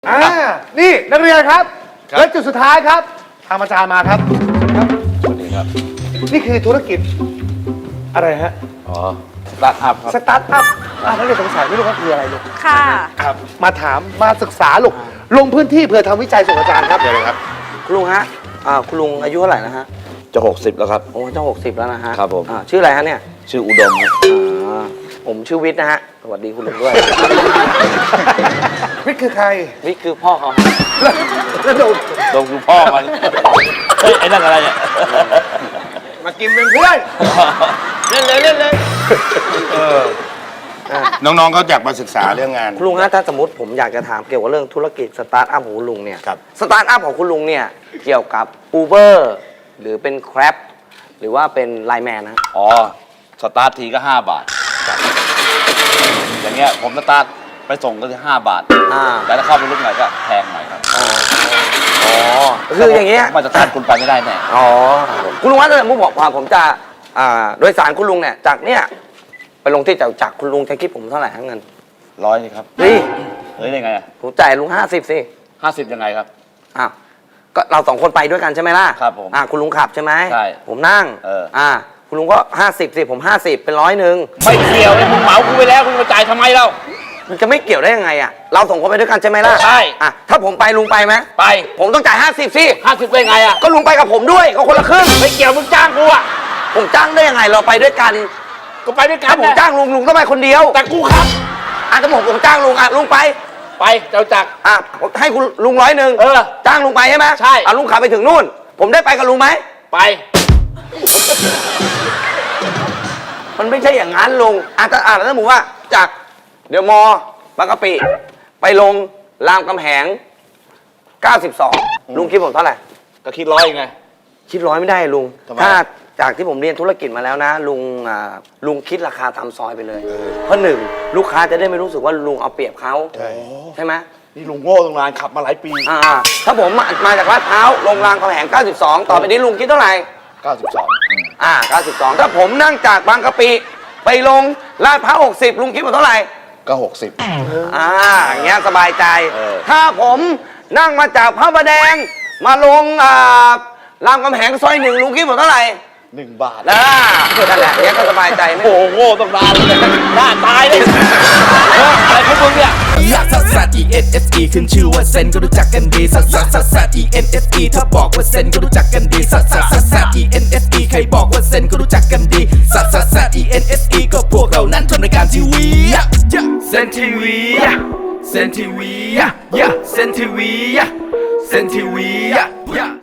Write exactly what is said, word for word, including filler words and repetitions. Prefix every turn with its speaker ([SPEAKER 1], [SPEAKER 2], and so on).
[SPEAKER 1] อ่านี่นักเรียนครับและจุดสุดท้ายครับทางอาจารย์มาครับครับสวัสดีครับนี่คือธุรกิจอะไรฮะ
[SPEAKER 2] อ๋อสตาร์ทอัพครับ
[SPEAKER 1] สตาร์ทอัพอ่านักเรียนสงสัยไม่รู้ว่าคืออะไรลูก
[SPEAKER 3] ค่ะ
[SPEAKER 1] ครับมาถามมาศึกษาลูกลงพื้นที่เพื่อทำวิจัยส่งอาจารย์ครับเดี๋ยวเลยครับ
[SPEAKER 4] คุณลุงฮะอ่าคุณลุงอายุเท่าไหร่นะฮะ
[SPEAKER 2] จะหกสิบแล้วครับ
[SPEAKER 4] โอ้จะหกสิบแล้วนะฮะ
[SPEAKER 2] ครับผม
[SPEAKER 4] อ่าชื่ออะไรฮะเนี่ย
[SPEAKER 2] ชื่ออุดมครับ
[SPEAKER 4] อ่าผมชื่อวิทย์นะฮะสวัสดีคุณลุงด้วย
[SPEAKER 1] วิทย์คือใคร
[SPEAKER 4] วิทย์คือพ่อเขา
[SPEAKER 1] แล้วโดน
[SPEAKER 2] ดมคือพ่อมันเฮ้ยไอ้นั่นอะไรเนี่ย
[SPEAKER 1] มากินเป็นเพื่อน
[SPEAKER 2] เล่นเลยเล่นเลย
[SPEAKER 5] น้องๆเขาอยากมาศึกษาเรื่องงาน
[SPEAKER 4] คุณลุงฮะถ้าสมมติผมอยากจะถามเกี่ยวกับเรื่องธุรกิจสตาร์ทอัพของคุณลุงเนี่ย
[SPEAKER 5] ครับ
[SPEAKER 4] สตาร์ทอัพของคุณลุงเนี่ยเกี่ยวกับ Uber หรือเป็น Grab หรือว่าเป็นไลน์แมนนะ
[SPEAKER 2] อ๋อสตาร์ททีก็ห้าบาทอย่างเงี้ยผมสตาร์ทไปส่งก็คือห้าบาท
[SPEAKER 4] อ่า
[SPEAKER 2] แต่ถ้าเข้าไปลึกหน่อยก็แพงหน่อยครับ
[SPEAKER 4] อ๋อคืออย่างเงี้ย
[SPEAKER 2] มาสตาร์ทคุณไปไม่ได้แน่
[SPEAKER 4] อ๋อคุณลุงว่าถ้าสมมติบอกว่าผมจะอ่าโดยสารคุณลุงเนี่ยจากเนี่ยไปลงที่จตุจักรคุณลุงจะคิดผมเท่าไหร่ทั้งเงิน
[SPEAKER 2] ร้อยนี่ครับ
[SPEAKER 4] เฮ้ย
[SPEAKER 2] เฮ้ยได้ไงอ่ะ
[SPEAKER 4] ผมจ่ายลุงห้าสิบสิ
[SPEAKER 2] ห้าสิบยังไงครับ
[SPEAKER 4] อ้าวก็เราสองคนไปด้วยกันใช่ไหมล่ะ
[SPEAKER 2] ครับผม
[SPEAKER 4] อ่าคุณลุงขับใช่ไหม
[SPEAKER 2] ใช่
[SPEAKER 4] ผมนั่ง
[SPEAKER 2] เออ
[SPEAKER 4] อ่าคุณลุงก็ห้าสิบสิผมห้าสิบเป็นร้อยหนึ่ง
[SPEAKER 2] ไม่เกี่ยวเลยคุณเหมาคุณไปแล้วคุณมาจ่ายทำไมเล่า
[SPEAKER 4] มันจะไม่เกี่ยวได้ยังไงอ่ะเราสองคนไปด้วยกันใช่ไหมล่ะ
[SPEAKER 2] ใช่
[SPEAKER 4] อ่ะถ้าผมไปลุงไปไหม
[SPEAKER 2] ไป
[SPEAKER 4] ผมต้องจ่ายห้าสิบสิ
[SPEAKER 2] ห้าสิบได้ไงอ่ะ
[SPEAKER 4] ก็ลุงไปกับผมด้วยก็คนละครึ่ง
[SPEAKER 2] ไม่เกี่ยวมึงจ้างกูอ่ะ
[SPEAKER 4] ผมจ้างได้ยังไงเราไปด้วยกัน
[SPEAKER 2] ก็ไปด้วยกัน
[SPEAKER 4] ถ้าผมจ้างลุงลุงต้องไปคนเดียว
[SPEAKER 2] แต่กูครับ
[SPEAKER 4] อ่ะถ้าผมผมจ้างลุงอ่ะลุงไป
[SPEAKER 2] ไปเจ้าจักร
[SPEAKER 4] อ่ะผมให้คุณลุงร้อยหนึ่ง
[SPEAKER 2] เออ
[SPEAKER 4] จ้างลุงไปใช่ไหม
[SPEAKER 2] ใช่
[SPEAKER 4] อ่ะลุงขับไปถึงนู่น ผมได้ไปกับลุงไหม
[SPEAKER 2] ไป
[SPEAKER 4] มันไม่ใช่อย่างนั้นลุงอ่ะถ้าอ่ะแล้วสมมติว่าจากเดี๋ยวมอบางกะปิไปลงรามคำแหงเก้าสิบสองลุงคิดผมเท่าไหร่
[SPEAKER 2] ก็คิดร้อยไง
[SPEAKER 4] คิดร้อยไม่ได้ลุง
[SPEAKER 2] ทำไม
[SPEAKER 4] ถ้าจากที่ผมเรียนธุรกิจมาแล้วนะ ลุงอ่าลุงคิดราคาตามซอยไปเลย เพราะหนึ่งลูกค้าจะได้ไม่รู้สึกว่าลุงเอาเปรียบเขา
[SPEAKER 5] ใช่
[SPEAKER 4] ใช่ไหม
[SPEAKER 2] นี่ลุงโง่ตั้งนานขับมาหลายปี
[SPEAKER 4] อ่าถ้าผมมามาจากลาดพร้าวลงรามคำแหงเก้าสิบสองต่อไปนี้ลุงคิดเท่าไหร่
[SPEAKER 2] เก้าสิบสอง
[SPEAKER 4] อ่าเก้าสิบสองถ้าผมนั่งจากบางกะปิไปลงลาดพร้าวหกสิบลุงคิดผมเท่าไหร่
[SPEAKER 5] ก็หกสิบ
[SPEAKER 4] อ่าอย่างเงี้ยสบายใจ
[SPEAKER 2] เออ
[SPEAKER 4] ถ้าผมนั่งมาจากพระประแดง มาลงอ่ารามคำแหงซอยหนึ่งลุงคิดผมเท่าไหร่
[SPEAKER 2] หนึ่งบาท
[SPEAKER 4] นะนั่นแหละอย่างเงี้ยก็สบายใจไม่
[SPEAKER 2] โอ้โหโง่ตั้งนานเลยหน้าตายเลยเอออะไรของมึงเนี่ย
[SPEAKER 6] ลักซัสซัส E N S E ขึ้นชื่อว่าเซนก็รู้จักกันดีซัสซัสซัสซัส E N S E ถ้าบอกว่าเซนก็รู้จักกันดีซัสซัสซัสซัส E N S E ใครบอกว่าเซนก็รู้จักกันดีซัสซัสซัส E N S E ก็พวกเรานั้นทำรายการทีวีเซนทีวีเซนทีวีเซนทีวีเซนทีวี